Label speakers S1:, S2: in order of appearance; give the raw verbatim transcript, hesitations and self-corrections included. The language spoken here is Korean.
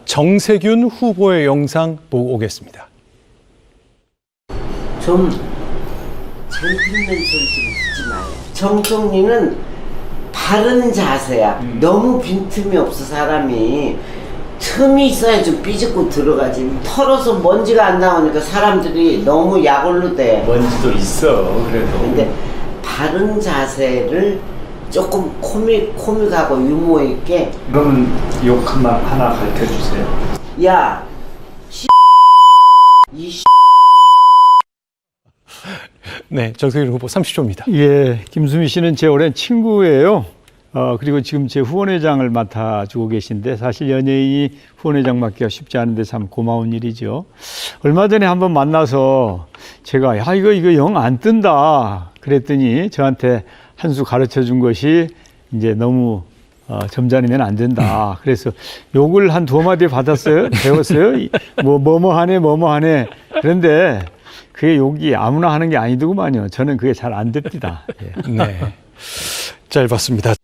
S1: 정세균 후보의 영상 보고 오겠습니다.
S2: 좀 젠틀맨 소리 좀 듣지 마요. 정총리는 바른 자세야. 음. 너무 빈틈이 없어 사람이. 틈이 있어야 좀 삐집고 들어가지. 털어서 먼지가 안 나오니까 사람들이 너무 약올로 돼.
S3: 먼지도 있어 그래도.
S2: 근데 바른 자세를 조금 코믹, 코믹하고 유머 있게.
S3: 그러면 욕 하나, 하나 가르쳐 주세요.
S2: 야, 씨, 이 씨.
S1: 네, 정세균 후보 삼십 초입니다.
S4: 예, 김수미 씨는 제 오랜 친구예요. 어, 그리고 지금 제 후원회장을 맡아주고 계신데 사실 연예인이 후원회장 맡기가 쉽지 않은데 참 고마운 일이죠. 얼마 전에 한번 만나서 제가 야 이거 이거 영 안 뜬다 그랬더니 저한테 한 수 가르쳐 준 것이 이제 너무 어, 점잖으면 안 된다. 그래서 욕을 한 두어 마디 받았어요. 배웠어요. 뭐 뭐뭐 하네 뭐뭐 하네. 그런데 그게 욕이 아무나 하는 게 아니더구만요. 저는 그게 잘 안 됩니다. 예.
S1: 네, 잘 봤습니다.